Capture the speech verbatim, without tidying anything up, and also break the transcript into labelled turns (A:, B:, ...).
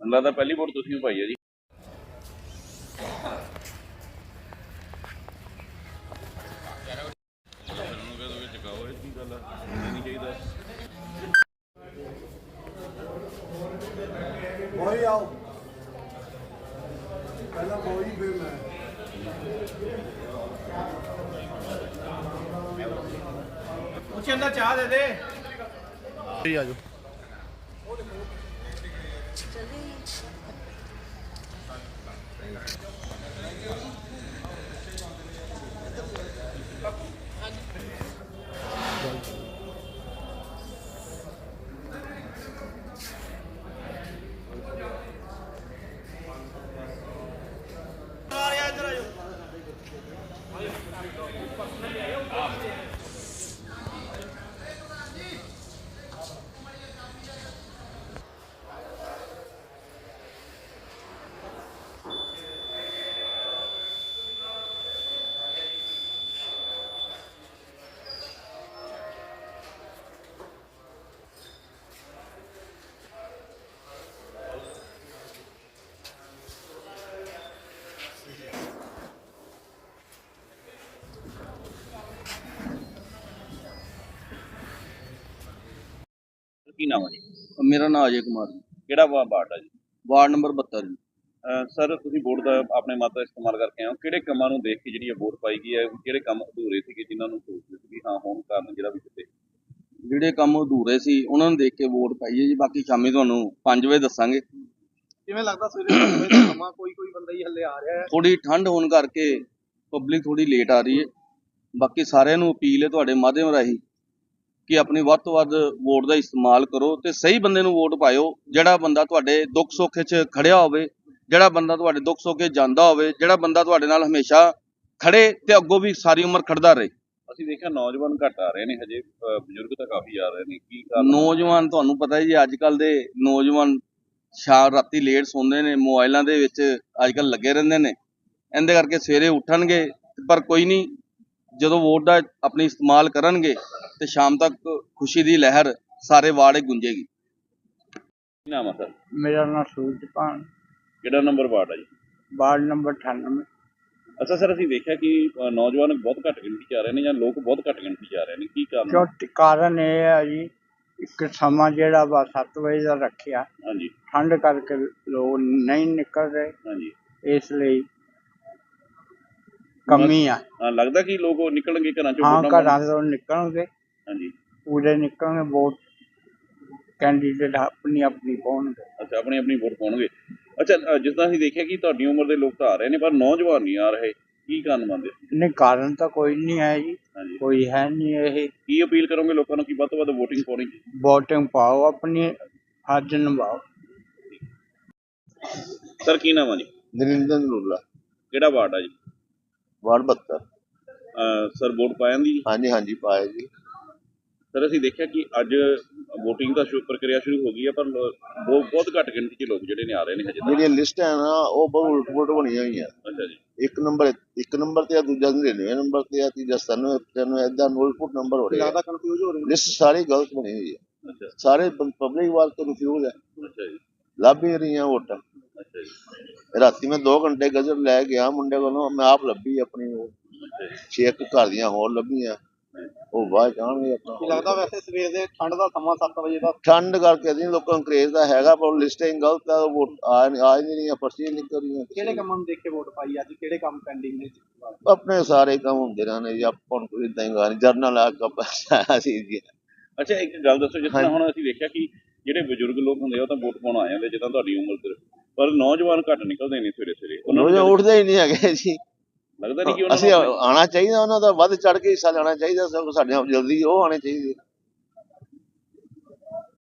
A: ਲੱਗਦਾ ਪਹਿਲੀ ਵੋਟ ਤੁਸੀਂ ਵੀ ਪਾਈ ਹੈ ਜੀ।
B: वही आओ पहला वही फिर मैं
C: कुछ अंदर चाह दे दे आ जाओ।
A: ਕੀ ਨਾਮ ਹੈ ਜੀ?
D: ਮੇਰਾ ਨਾਮ ਅਜੇ ਕੁਮਾਰ ਜੀ,
A: ਕਿਹੜਾ ਵਾ- ਵਾਰਡ ਆ ਜੀ?
D: ਵਾਰਡ ਨੰਬਰ ਬਹੱਤਰ ਜੀ।
A: ਅਹ ਸਰ ਤੁਸੀਂ ਵੋਟ ਦਾ ਆਪਣੇ ਮਤ ਦਾ ਇਸਤੇਮਾਲ ਕਰਕੇ ਆਏ ਹੋ, ਕਿਹੜੇ ਕੰਮਾਂ ਨੂੰ ਦੇਖ ਕੇ ਜਿਹੜੀ ਇਹ ਵੋਟ ਪਾਈ ਗਈ ਹੈ? ਕਿਹੜੇ ਕੰਮ ਅਧੂਰੇ ਸੀਗੇ ਜਿਨ੍ਹਾਂ ਨੂੰ ਸੋਚਦੇ ਸੀ ਵੀ ਹਾਂ ਹੋਣ ਕਾਰਨ ਜਿਹੜਾ ਵੀ ਕਿਤੇ
D: ਜਿਹੜੇ ਕੰਮ ਅਧੂਰੇ ਸੀ ਉਹਨਾਂ ਨੂੰ ਦੇਖ ਕੇ ਵੋਟ ਪਾਈ ਹੈ ਜੀ। ਬਾਕੀ ਸ਼ਾਮੀ ਤੁਹਾਨੂੰ ਪੰਜ ਵਜੇ ਦੱਸਾਂਗੇ।
C: ਕਿਵੇਂ ਲੱਗਦਾ ਸਵੇਰੇ ਪੰਜ ਵਜੇ ਦਾ ਸਮਾਂ ਕੋਈ ਕੋਈ ਬੰਦਾ ਹੀ ਹੱਲੇ ਆ ਰਿਹਾ ਹੈ?
D: ਥੋੜੀ ਠੰਡ ਹੋਣ ਕਰਕੇ ਪਬਲਿਕ ਥੋੜੀ ਲੇਟ ਆ ਰਹੀ ਹੈ। ਬਾਕੀ ਸਾਰਿਆਂ ਨੂੰ ਅਪੀਲ ਹੈ ਤੁਹਾਡੇ ਮਾਧਿਅਮ ਰਾਹੀਂ ਕਿ ਆਪਣੀ ਵੱਧ ਤੋਂ ਵੱਧ ਵੋਟ ਦਾ ਇਸਤੇਮਾਲ ਕਰੋ ਤੇ ਸਹੀ ਬੰਦੇ ਨੂੰ ਵੋਟ ਪਾਇਓ, ਜਿਹੜਾ ਬੰਦਾ ਤੁਹਾਡੇ ਦੁੱਖ ਸੁੱਖ 'ਚ ਖੜਿਆ ਹੋਵੇ, ਜਿਹੜਾ ਬੰਦਾ ਤੁਹਾਡੇ ਦੁੱਖ ਸੁੱਖ 'ਚ ਜਾਂਦਾ ਹੋਵੇ, ਜਿਹੜਾ ਬੰਦਾ ਤੁਹਾਡੇ ਨਾਲ ਹਮੇਸ਼ਾ ਖੜੇ ਤੇ ਅੱਗੋਂ ਵੀ ਸਾਰੀ ਉਮਰ ਖੜਦਾ ਰਹੇ।
A: ਅਸੀਂ ਦੇਖਿਆ ਨੌਜਵਾਨ ਘੱਟ ਆ ਰਹੇ ਨੇ, ਹਜੇ ਅਹ ਬਜ਼ੁਰਗ ਤਾਂ ਕਾਫੀ ਆ ਰਹੇ ਨੇ, ਕੀ ਕਾਰਨ?
D: ਨੌਜਵਾਨ ਤੁਹਾਨੂੰ ਪਤਾ ਹੈ ਜੀ, ਅੱਜ ਕੱਲ ਦੇ ਨੌਜਵਾਨ ਸ਼ਾਮ ਰਾਤੀ ਲੇਟ ਸੌਂਦੇ ਨੇ, ਮੋਬਾਈਲਾਂ ਦੇ ਵਿੱਚ ਅੱਜ ਕੱਲ ਲੱਗੇ ਰਹਿੰਦੇ ਨੇ, ਇਹਦੇ ਕਰਕੇ ਸਵੇਰੇ ਉੱਠਣਗੇ ਪਰ ਕੋਈ ਨਹੀਂ, ਜਦੋਂ ਵੋਟ ਦਾ ਆਪਣੀ ਇਸਤੇਮਾਲ ਕਰਨਗੇ ਤੇ ਸ਼ਾਮ ਤੱਕ ਖੁਸ਼ੀ ਦੀ ਲਹਿਰ ਸਾਰੇ ਵਾਰਡ 'ਚ ਗੂੰਜੇਗੀ।
A: ਕੀ ਨਾਮ ਆ ਸਰ?
E: मेरा नाम सूरजपान,
A: ਕਿਹੜਾ ਨੰਬਰ ਵਾਰਡ ਆ ਜੀ?
E: वार्ड नंबर अठानवे।
A: ਅੱਛਾ ਸਰ, ਅਸੀਂ ਦੇਖਿਆ ਕਿ ਅਹ ਨੌਜਵਾਨ ਬਹੁਤ ਘੱਟ ਗਿਣਤੀ 'ਚ ਆ ਰਹੇ ਨੇ ਜਾਂ ਲੋਕ ਬਹੁਤ ਘੱਟ ਗਿਣਤੀ 'ਚ ਆ ਰਹੇ ਨੇ, ਕੀ ਕਾਰਨ?
E: ਕਿਉਂ ਕਾਰਨ ਇਹ ਹੈ ਜੀ, ਇੱਕ ਸਮਾਂ ਜਿਹੜਾ ਵਾ ਸੱਤ ਵਜੇ ਦਾ ਰੱਖਿਆ,
A: ਹਾਂਜੀ
E: ਠੰਡ ਕਰਕੇ ਲੋਕ ਨਹੀਂ ਨਿਕਲ ਰਹੇ,
A: ਹਾਂਜੀ।
E: ਇਸ ਲਈ ਕਮੀ ਆ।
A: ਹਾਂ, ਲੱਗਦਾ ਕਿ ਲੋਕ ਨਿਕਲਣਗੇ ਘਰਾਂ ਚੋਂ
E: ਹਾਂ,
A: ਵੋਟਾਂ ਪਾਉਣ?
E: ਘਰਾਂ ਤੋਂ ਨਿਕਲਣਗੇ,
A: ਹਾਂਜੀ।
E: ਪੂਰੇ ਨਿਕਲਣਗੇ, ਵੋਟ ਕੈਂਡੀਡੇਟ ਆਪਣੀ ਆਪਣੀ ਪਾਉਣਗੇ।
A: ਅੱਛਾ, ਆਪਣੀ ਆਪਣੀ ਵੋਟ ਪਾਉਣਗੇ। ਅੱਛਾ, ਅਹ ਜਿਸ ਤਰ੍ਹਾਂ ਅਸੀਂ ਦੇਖਿਆ ਕਿ ਤੁਹਾਡੀ ਉਮਰ ਦੇ ਲੋਕ ਤਾਂ ਆ ਰਹੇ ਨੇ ਪਰ ਨੌਜਵਾਨ ਨਹੀਂ ਆ ਰਹੇ, ਕੀ ਕਾਰਨ ਮੰਨਦੇ?
E: ਨਹੀਂ, ਕਾਰਨ ਤਾਂ ਕੋਈ ਨਹੀਂ ਹੈ ਜੀ,
A: ਹਾਂਜੀ।
E: ਕੋਈ ਹੈ ਨਹੀਂ। ਇਹ
A: ਕੀ ਅਪੀਲ ਕਰੋਗੇ ਲੋਕਾਂ ਨੂੰ ਕਿ ਵੱਧ ਤੋਂ ਵੱਧ ਵੋਟਿੰਗ ਪਾਉਣੀ?
E: ਵੋਟਿੰਗ ਪਾਓ, ਆਪਣੀ ਫਰਜ਼ ਨਿਭਾਓ।
A: ਸਰ ਕੀ ਨਾਮ ਆ ਜੀ?
F: ਨਰਿੰਦਰ ਨੂਰਲਾ,
A: ਕਿਹੜਾ ਵਾਰਡ ਆ ਜੀ?
F: ਵਾਰਡ ਬਹੱਤਰ।
A: ਅਹ ਸਰ ਵੋਟ ਪਾਇਆ ਦੀ?
F: ਹਾਂਜੀ ਹਾਂਜੀ ਪਾਇਆ ਜੀ।
A: ਸਰ ਅਸੀਂ ਦੇਖਿਆ ਕਿ ਅੱਜ ਵੋਟਿੰਗ ਦਾ ਸ਼ੁਰੂ ਪ੍ਰਕਿਰਿਆ ਸ਼ੁਰੂ ਹੋ ਗਈ ਹੈ ਪਰ ਲੋ- ਬਹੁਤ ਬਹੁਤ ਘੱਟ ਗਿਣਤੀ 'ਚ ਲੋਕ ਜਿਹੜੇ ਨੇ ਆ ਰਹੇ ਨੇ ਹਜੇ ਤੱਕ।
F: ਜਿਹੜੀਆਂ ਲਿਸਟ ਹੈ ਨਾ ਉਹ ਬਹੁਤ ਉਲਟ ਪੁਲਟ ਬਣੀਆਂ ਹੋਈਆਂ।
A: ਅੱਛਾ ਜੀ।
F: ਇੱਕ ਨੰਬਰ ਇੱਕ ਨੰਬਰ ਤੇ ਆ, ਦੂਜਾ ਨੜਿਨਵੇਂ ਨੰਬਰ ਤੇ ਆ, ਤੀਜਾ ਸਤਾਨਵੇਂ ਪਚਾਨਵੇਂ, ਏਦਾਂ ਉਲਟ ਪੁਲਟ ਨੰਬਰ ਹੋ ਰਹੇ ਆ।
C: ਜ਼ਿਆਦਾ ਕਨਫਿਊਜ਼ ਹੋ ਰਹੇ ਨੇ।
F: ਲਿਸਟ ਸਾਰੀ ਗਲਤ ਬਣੀ ਹੋਈ ਹੈ,
A: ਅੱਛਾ
F: ਸਾਰੇ ਪਬਲਿਕ ਵਾਲ ਕਨਫਿਊਜ਼ ਹੈ,
A: ਅੱਛਾ ਜੀ।
F: ਲੱਭ ਹੀ ਰਹੀਆਂ ਵੋਟਾਂ।
A: ਅੱਛਾ ਜੀ।
F: ਰਾਤੀ ਮੈਂ ਦੋ ਘੰਟੇ ਗਜ਼ਰ ਲੈ ਗਿਆ ਮੁੰਡੇ ਕੋਲੋਂ, ਮੈਂ ਆਪ ਲੱਭੀ ਆਪਣੀ ਉਹ ਛੇ ਇੱਕ ਘਰ ਦੀਆਂ ਹੋਰ ਲੱਭੀਆਂ, ਉਹ ਬਾਅਦ ਜਾਣਗੇ
C: ਕੀ
F: ਆਪਣਾ।
C: ਲੱਗਦਾ ਵੈਸੇ ਸਵੇਰ ਦੇ ਠੰਡ ਦਾ ਸਮਾਂ ਸੱਤ ਵਜੇ ਦਾ?
F: ਠੰਡ ਕਰਕੇ ਨਹੀਂ, ਲੋਕਾਂ ਨੂੰ ਕਰੇਜ਼ ਦਾ ਹੈਗਾ ਪਰ ਲਿਸਟਿੰਗ ਗਲਤ ਆ, ਵੋਟ ਆ ਆ ਹੀ ਨਹੀਂ ਰਹੀਆਂ, ਪਰਚੀਆਂ ਨਿਕਲ ਰਹੀਆਂ।
C: ਕਿਹੜੇ ਕੰਮਾਂ ਨੂੰ ਦੇਖ ਕੇ ਵੋਟ ਪਾਈ ਅੱਜ? ਕਿਹੜੇ ਕੰਮ ਪੈਂਡਿੰਗ ਨੇ?
F: ਆਪਣੇ ਸਾਰੇ ਕੰਮ ਹੁੰਦੇ ਰਹਿੰਦੇ ਜੀ, ਆਪਾਂ ਨੂੰ ਕੋਈ ਏਦਾਂ ਹੀ ਗਾ ਜਰਨਲ ਆ ਕੱਪ ਅਸੀਂ ਜੀ।
A: ਅੱਛਾ, ਇੱਕ ਗੱਲ ਦੱਸੋ, ਜਿਸ ਤਰ੍ਹਾਂ ਹੁਣ ਅਸੀਂ ਦੇਖਿਆ ਕਿ ਜਿਹੜੇ ਬਜ਼ੁਰਗ ਲੋਕ ਹੁੰਦੇ ਆ ਉਹ ਤਾਂ ਵੋਟ ਪਾਉਣ ਆ ਜਾਂਦੇ ਜਿੱਦਾਂ ਤੁਹਾਡੀ ਉਮਰ ਦੇ, ਪਰ ਨੌਜਵਾਨ ਘੱਟ ਨਿਕਲਦੇ ਨੇ ਸਵੇਰੇ ਸਵੇਰੇ, ਉਹਨਾਂ
F: ਉਹ
A: ਨੂੰ
F: ਉੱਠਦੇ ਹੀ ਨਹੀਂ ਹੈਗੇ ਜੀ।
A: ਲੱਗਦਾ ਨਹੀਂ ਕਿ ਉਹਨਾਂ
F: ਅਸੀਂ
A: ਨੂੰ
F: ਆਉਣਾ ਚਾਹੀਦਾ, ਉਹਨਾਂ ਦਾ ਵੱਧ ਚੜ ਕੇ ਹਿੱਸਾ ਲੈਣਾ ਚਾਹੀਦਾ, ਸਗੋਂ ਸਾਡੇ ਨਾਲ ਜਲਦੀ ਉਹ ਆਉਣੇ ਚਾਹੀਦੇ।